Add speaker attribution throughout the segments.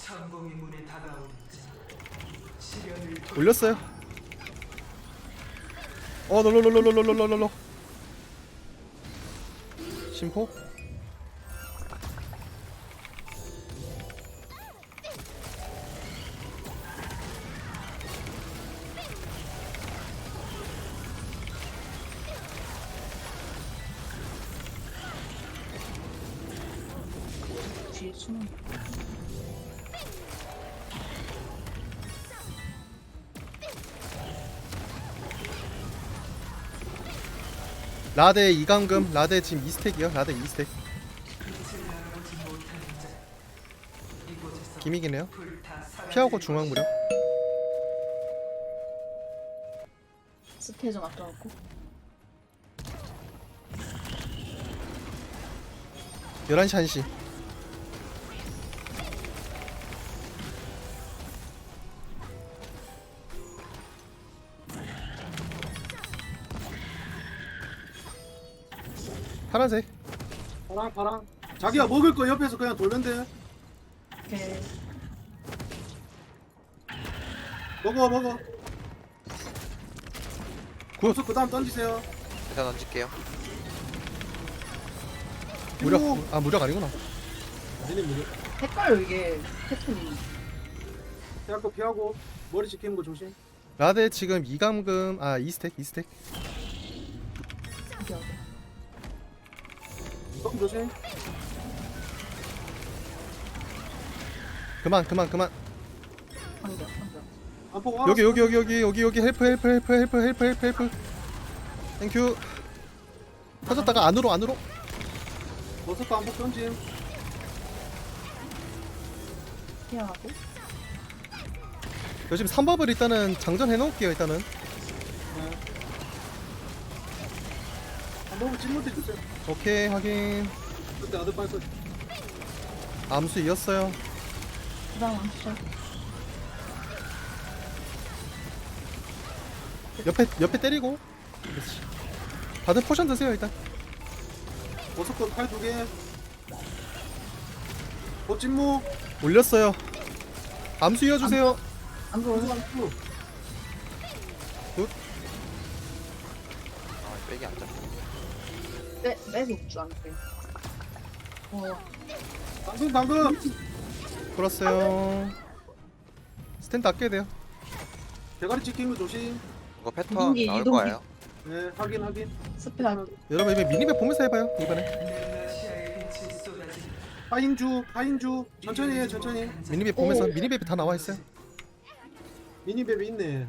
Speaker 1: 천공의 문에 다가오는 자, 시련을
Speaker 2: 올렸어요. 롤롤롤롤롤롤롤롤. 심포.
Speaker 3: 뒤에 숨은
Speaker 2: 라데 이강금. 라데 지금 2스택이요. 라데 2스택.
Speaker 1: 빛을 나가지 못하는 자, 이곳에서
Speaker 2: 기믹이네요.
Speaker 1: 불타 사라질
Speaker 2: 피하고 중앙 무력.
Speaker 3: 스테 좀 아껴놓고
Speaker 2: 11시 1시. 파란색.
Speaker 4: 파랑 자기가 먹을 거 옆에서 그냥 돌면 돼.
Speaker 3: 이렇게
Speaker 4: 먹어
Speaker 2: 굿.
Speaker 4: 그 다음 던지세요.
Speaker 5: 일단 던질게요.
Speaker 2: 무력.
Speaker 4: 피고.
Speaker 2: 아 무력 아니구나.
Speaker 4: 얘네 무려
Speaker 3: 헷갈려 이게 패턴이.
Speaker 4: 피하고 피하고 머리 지키는 거 조심.
Speaker 2: 라데 지금 이감금. 아 2스택 2스택.
Speaker 3: 어디 어디
Speaker 4: 조금 조심.
Speaker 2: 그만.
Speaker 3: 방벽
Speaker 4: 안 보고
Speaker 2: 여기 헬프. 땡큐. 터졌다가 안으로.
Speaker 4: 버섯도 한폭 던짐.
Speaker 3: 피하고
Speaker 2: 요즘 3법을 일단은 장전해 놓을게요. 일단은
Speaker 4: 한 번만 찔러대 주세요.
Speaker 2: 오케이 확인.
Speaker 4: 그때 아들 빨 거.
Speaker 2: 암수 이었어요.
Speaker 3: 그다음 암수
Speaker 2: 옆에 때리고. 그렇지. 다들 포션 드세요 일단.
Speaker 4: 버섯도 팔 2개. 찐무.
Speaker 2: 올렸어요. 암수 이어주세요.
Speaker 3: 암수
Speaker 4: 찐무.
Speaker 5: 아, 백이 안 잡혀.
Speaker 3: 빼고 줄 않게.
Speaker 4: 당근.
Speaker 2: 풀었어요. 스탠드 아껴야 돼요.
Speaker 4: 대가리 찍힌 거 조심.
Speaker 5: 이거 패턴
Speaker 3: 이동기,
Speaker 5: 나올
Speaker 3: 이동기.
Speaker 5: 거예요.
Speaker 4: 네 확인.
Speaker 3: 스페 하면
Speaker 2: 여러분 이번 미니맵 보면서 해봐요 이번에.
Speaker 1: 넬라시아의 빛이 쏟아지는
Speaker 4: 파인주 천천히 해 천천히.
Speaker 2: 미니맵 보면서. 미니맵이 다 나와 있어요.
Speaker 4: 미니맵이 있네.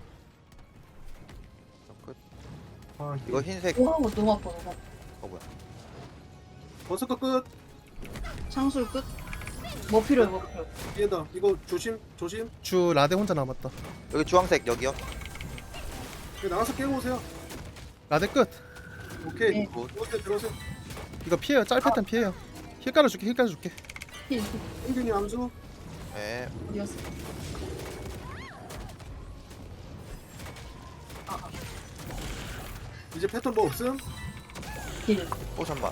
Speaker 5: 끝.
Speaker 4: 아
Speaker 5: 이거 흰색.
Speaker 3: 오 너무 아파.
Speaker 5: 뭐야?
Speaker 4: 버섯 거 끝.
Speaker 3: 창술 끝. 뭐 필요해 뭐 필요해.
Speaker 4: 얘다 이거 조심.
Speaker 2: 주 라데 혼자 남았다.
Speaker 5: 여기 주황색 여기요.
Speaker 4: 여기 나가서 깨고 오세요.
Speaker 2: 라데 끝.
Speaker 4: 오케이.
Speaker 3: 네.
Speaker 4: 들어오세요.
Speaker 2: 이거 피해요. 짤 패턴 피해요. 힐 깔아줄게.
Speaker 3: 힐
Speaker 4: 은균이 암수.
Speaker 5: 네.
Speaker 3: 어디였어?
Speaker 4: 이제 패턴 뭐 없음?
Speaker 3: 힐.
Speaker 5: 포션만.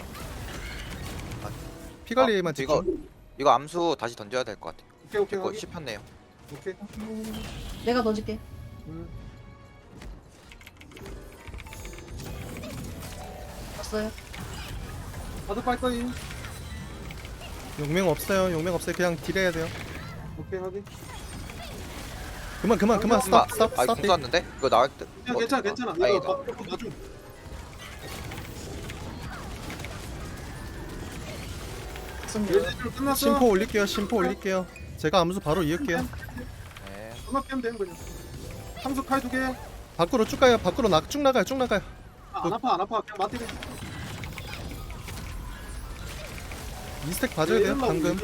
Speaker 2: 피 관리만
Speaker 5: 아,
Speaker 2: 지금.
Speaker 5: 이거 암수 다시 던져야 될 것 같아요.
Speaker 4: 오케이
Speaker 5: 이거
Speaker 4: 확인.
Speaker 5: 씹혔네요.
Speaker 4: 오케이.
Speaker 3: 내가 던질게.
Speaker 4: 음.
Speaker 3: 왔어요.
Speaker 4: 다들 빨 거임.
Speaker 2: 용맹 없어요. 그냥 딜해야 돼요.
Speaker 4: 오케이 확인.
Speaker 2: 그만. 스탑.
Speaker 5: 아, 궁 쐈는데? 이거 나올 듯.
Speaker 4: 괜찮아.
Speaker 5: 아니다.
Speaker 4: 이거 봐줘. 얘들 끝났어.
Speaker 2: 심포 올릴게요. 제가 암수 바로 이을게요.
Speaker 5: 네.
Speaker 4: 끝났 깨면 되는 거죠. 상수 칼 2개.
Speaker 2: 밖으로 쭉 가요. 쭉 나가요.
Speaker 4: 안 아파. 그냥 맞대기.
Speaker 2: 2스택 봐줘야 돼요. 방금.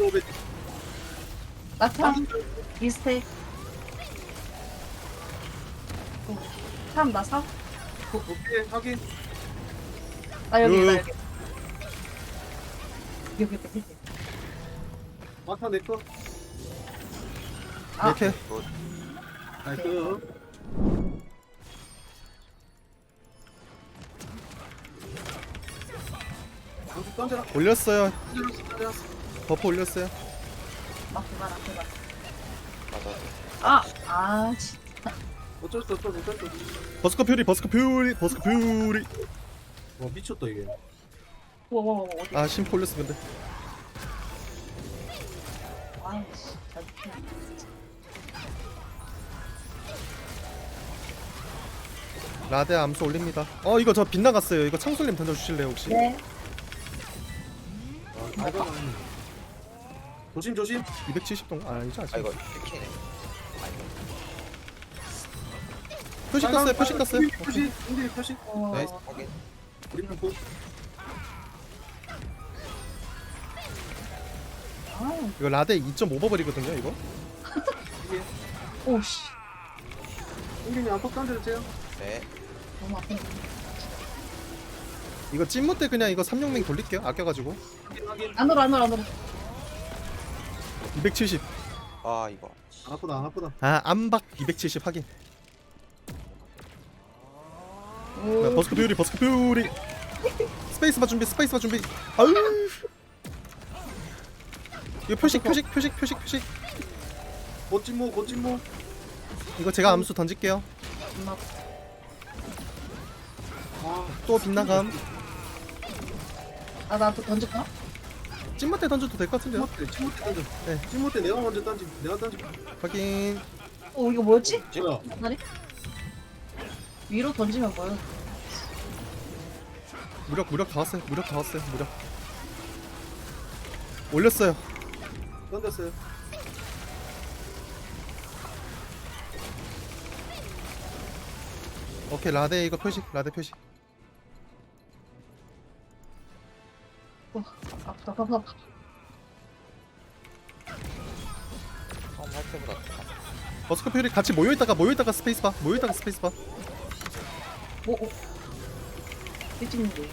Speaker 3: 나타 미스테이크. 3 나 4?
Speaker 4: 오케이 확인.
Speaker 3: 나 여기 나
Speaker 2: 요.
Speaker 3: 여기
Speaker 4: 마타 내 거.
Speaker 3: 아.
Speaker 2: 이렇게.
Speaker 4: 나이스. 상수 던져라.
Speaker 2: 올렸어요.
Speaker 4: 던져라.
Speaker 2: 버프 올렸어요.
Speaker 3: 막 그만 그만.
Speaker 5: 맞아.
Speaker 3: 진짜.
Speaker 4: 어쩔 수 없어.
Speaker 2: 버스커 퓨리 버스커 퓨리 버스커 퓨리.
Speaker 4: 와 미쳤다 이게.
Speaker 3: 와 어디?
Speaker 2: 아 심포 올렸어 근데.
Speaker 3: 아이씨. 잘 피해.
Speaker 2: 라데 암수 올립니다. 이거 저 빗나갔어요. 이거 창술님 던져주실래요 혹시?
Speaker 3: 네.
Speaker 4: 조심 조심.
Speaker 2: 270동 아니죠 아직.
Speaker 5: 아 이거 키네.
Speaker 2: 표식 떴어요. 표식 떴어요.
Speaker 4: 표식. 인디 표식.
Speaker 2: 네.
Speaker 5: 확인.
Speaker 4: 우리는 고.
Speaker 3: 아,
Speaker 2: 이거 라데 2.5버블이거든요 이거.
Speaker 3: 오씨.
Speaker 4: 인디님 안폭 던져주세요.
Speaker 5: 네.
Speaker 3: 너무 아프네.
Speaker 2: 이거 찐무 때 그냥 이거 3용맹 돌릴게요. 아껴가지고.
Speaker 4: 확인.
Speaker 3: 안으로.
Speaker 2: 270.
Speaker 5: 아 이거.
Speaker 4: 안 아프다 안 아프다.
Speaker 2: 아 암박 270 확인.
Speaker 3: 오.
Speaker 2: 버스커 퓨리 버스커 퓨리. 스페이스바 준비 스페이스바 준비. 아유. 이거 표식.
Speaker 4: 고찜모.
Speaker 2: 이거 제가 암수 던질게요.
Speaker 3: 엄마.
Speaker 2: 또 빗나감.
Speaker 3: 나도 던질까?
Speaker 2: 찐무 때 던져도 될 것 같은데요.
Speaker 4: 찜모 때 던져.
Speaker 2: 네.
Speaker 4: 찜모 때 내가 먼저 던지. 내가 던지.
Speaker 2: 확인.
Speaker 3: 이거 뭐였지?
Speaker 4: 뭐야?
Speaker 3: 다리? 위로 던지면 뭐야?
Speaker 2: 무력 다 왔어요. 무력 올렸어요.
Speaker 4: 던졌어요.
Speaker 2: 오케이 라데 이거 표식. 라데 표식.
Speaker 3: 아프다.
Speaker 5: 처음 할 때보다 더.
Speaker 2: 버스커 퓨리 같이 모여있다가 스페이스바.
Speaker 3: 오. 일찍인데.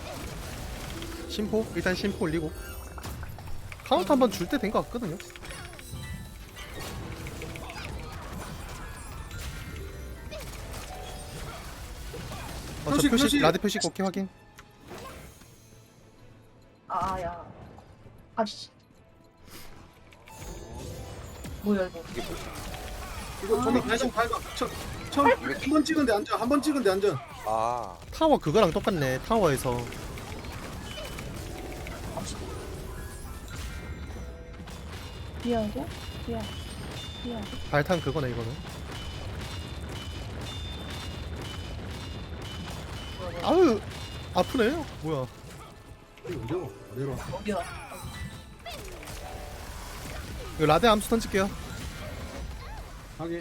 Speaker 2: 심포 일단 심포 올리고. 카운트 한번 줄 때 된 것 같거든요. 저
Speaker 4: 표식,
Speaker 2: 표식
Speaker 4: 표식.
Speaker 2: 라데 표식 오케이 확인.
Speaker 3: 야. 아씨. 뭐야 이거?
Speaker 5: 이게 뭐지?
Speaker 4: 이거 저기 발성 발각. 한번 찍은 데 앉아. 한 번 찍은 데 앉아.
Speaker 5: 아
Speaker 2: 타워 그거랑 똑같네. 타워에서
Speaker 3: 피하고.
Speaker 2: 발탄 그거네 이거는. 아유 아프네. 뭐야?
Speaker 4: 이거 내려와.
Speaker 3: 어디야?
Speaker 2: 이거 라데 암수 던질게요.
Speaker 4: 하게.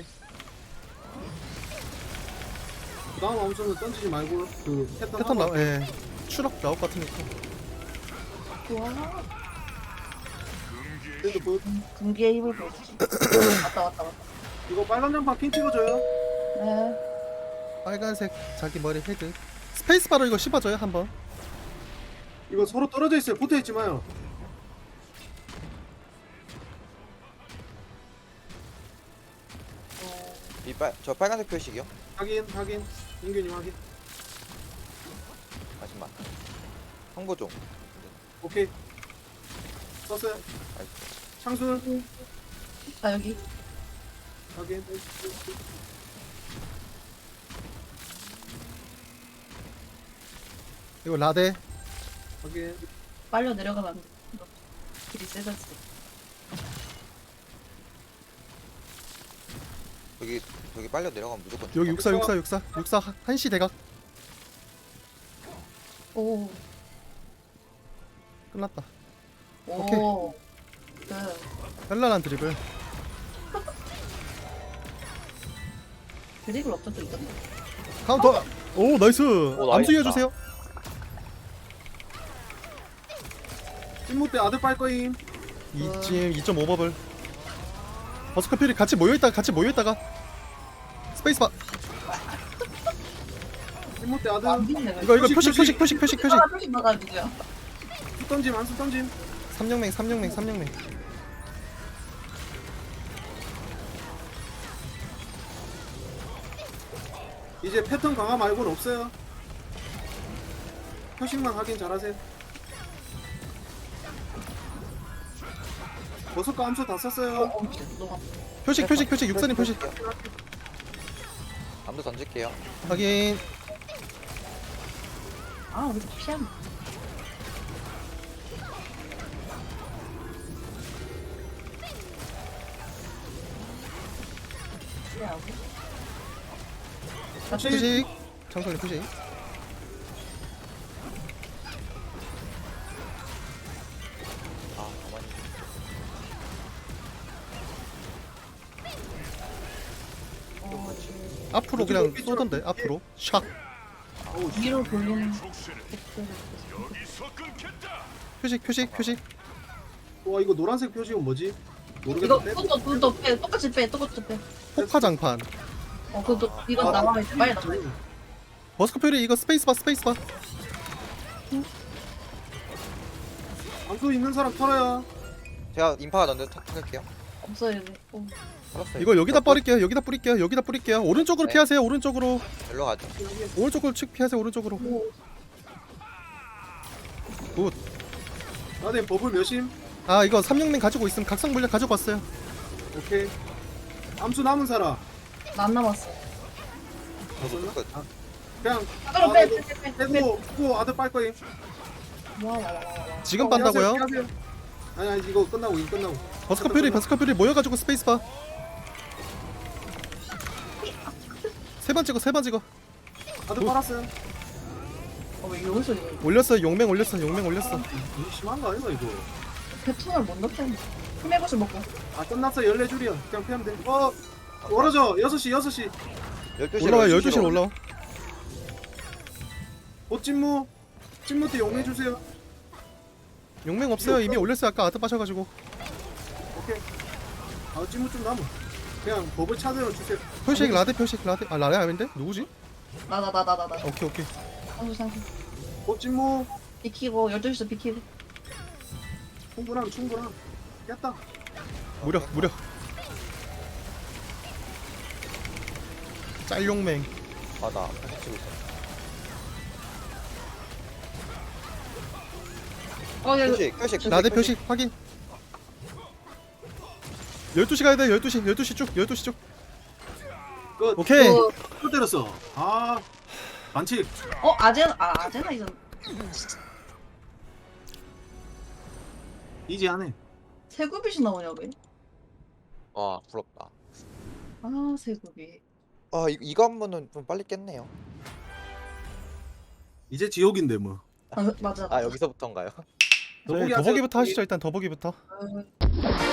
Speaker 4: 그 다음 암수는 던지지 말고 그
Speaker 2: 패턴 나와. 예. 추락 나올 것 같으니까.
Speaker 3: 좋아.
Speaker 4: 그래도 그
Speaker 3: 금기의 힘을 보여주지. 왔다.
Speaker 4: 이거 빨간 장판 핀 찍어줘요.
Speaker 3: 네.
Speaker 2: 빨간색 자기 머리 헤드. 스페이스바로 이거 씹어줘요 한번.
Speaker 4: 이거 서로 떨어져 있어요. 붙어 있지 마요.
Speaker 5: 저 빨간색 표식이요?
Speaker 4: 확인. 인규님 확인.
Speaker 5: 잠시만. 홍보 좀.
Speaker 4: 오케이. 썼어요.
Speaker 5: 아이고.
Speaker 4: 창술
Speaker 3: 여기.
Speaker 4: 확인.
Speaker 2: 이거 라데.
Speaker 4: 확인.
Speaker 3: 빨려 내려가면 안 돼. 너 길이 세졌어.
Speaker 5: 여기 빨려 내려가면 무조건.
Speaker 2: 여기
Speaker 5: 죽어.
Speaker 2: 육사 한시 대각.
Speaker 3: 오.
Speaker 2: 끝났다.
Speaker 3: 오. 네.
Speaker 2: 현란한 드리블.
Speaker 3: 드립을 없던 적 있던데.
Speaker 2: 카운터. 오 나이스.
Speaker 5: 나이스.
Speaker 2: 암수 이어주세요.
Speaker 4: 찐무 때 아들 빨 거임.
Speaker 2: 이쯤 2.5버블. 버스커 퓨리 같이 모여있다가 스페이스바.
Speaker 4: 찐무 때 아들.
Speaker 3: 안 믿네.
Speaker 2: 이거
Speaker 4: 표식,
Speaker 2: 표식.
Speaker 3: 표식 나가 누구야?
Speaker 4: 수 던짐 안수 던짐.
Speaker 2: 3용맹.
Speaker 4: 이제 패턴 강화 말고는 없어요. 표식만 확인 잘하세요. 버섯과 암수 다 썼어요.
Speaker 3: 너가
Speaker 2: 표식 육사님 표식
Speaker 5: 암도 던질게요.
Speaker 2: 확인.
Speaker 3: 아 우리 피하면 피하고
Speaker 2: 표식 장소님 표식.
Speaker 5: 아 가만히.
Speaker 2: 앞으로 그냥 쏘던데 앞으로 샥.
Speaker 3: 위로 돌리는
Speaker 2: 표식.
Speaker 4: 와 이거 노란색 표식은 뭐지?
Speaker 3: 이거
Speaker 4: 모르겠는데.
Speaker 3: 그것도 빼 똑같이 빼
Speaker 2: 폭파장판.
Speaker 3: 그것도 이거 나와야 돼 빨리 나와야 돼
Speaker 2: 버스커 표리 이거 스페이스바.
Speaker 4: 암수 있는 사람 털어요.
Speaker 5: 제가 인파가 던져 탁탁할게요.
Speaker 3: 없어야 돼
Speaker 5: 털었어요.
Speaker 2: 이거 여기다 뿌릴게요. 여기다 뿌릴게요. 오른쪽으로
Speaker 5: 네.
Speaker 2: 피하세요. 오른쪽으로
Speaker 5: 일로 가죠.
Speaker 2: 측 피하세요. 오른쪽으로. 굿.
Speaker 4: 나네 버블 몇임?
Speaker 2: 아 이거 360맹 가지고 있으면 각성 물약 가지고 왔어요.
Speaker 4: 오케이. 암수 남은 사람.
Speaker 3: 나안 남았어
Speaker 4: 없었나?
Speaker 5: 끝.
Speaker 4: 아, 그냥
Speaker 3: 그럼 빼
Speaker 4: 빼고 아들 빨 거임.
Speaker 3: 와와와와
Speaker 2: 지금 빤다고요?
Speaker 4: 피하세요. 아니 이거 끝나고
Speaker 2: 버스커 표리 모여가지고 스페이스바. 세 번 찍어.
Speaker 4: 아들 빨았어요.
Speaker 3: 왜 여기서 이거
Speaker 2: 올렸어. 용맹 올렸어.
Speaker 4: 이거 심한 거 아니야 이거?
Speaker 3: 배통을 못 넣었잖아 힘해보시 먹고
Speaker 4: 아 끝났어 14줄이야. 그냥 피하면 돼. 멀어져 6시
Speaker 5: 12시
Speaker 2: 올라와요. 12시로 올라와.
Speaker 4: 찐무 때 용해 주세요.
Speaker 2: 용맹 없어요. 이미 올렸어요. 아까 아트 빠셔가지고.
Speaker 4: 오케이. 아 찐무 좀 남아. 그냥 버블 차대로 주세요.
Speaker 2: 표식 라데. 아 라데 아닌데? 누구지?
Speaker 3: 나
Speaker 2: 오케이.
Speaker 3: 상수
Speaker 4: 찐무
Speaker 3: 비키고 12시도 비키고
Speaker 4: 충분함. 깼다.
Speaker 2: 무력. 짤용맹.
Speaker 5: 아나 다시 치고 있어. 표식.
Speaker 2: 라데 표식 확인. 12시 가야 돼. 12시 쭉.
Speaker 4: 끝.
Speaker 2: 오케이.
Speaker 4: 또 때렸어. 아 반칙.
Speaker 3: 아제나 이거
Speaker 4: 이제 안 해.
Speaker 3: 세구빛이 나오냐 왜?
Speaker 5: 와 부럽다.
Speaker 3: 아 세구빛
Speaker 5: 이거 한 번은 좀 빨리 깼네요.
Speaker 4: 이제 지옥인데 뭐.
Speaker 3: 맞아
Speaker 5: 여기서부터인가요?
Speaker 2: 더보기부터 하시죠. 일단 더보기부터.
Speaker 3: 아,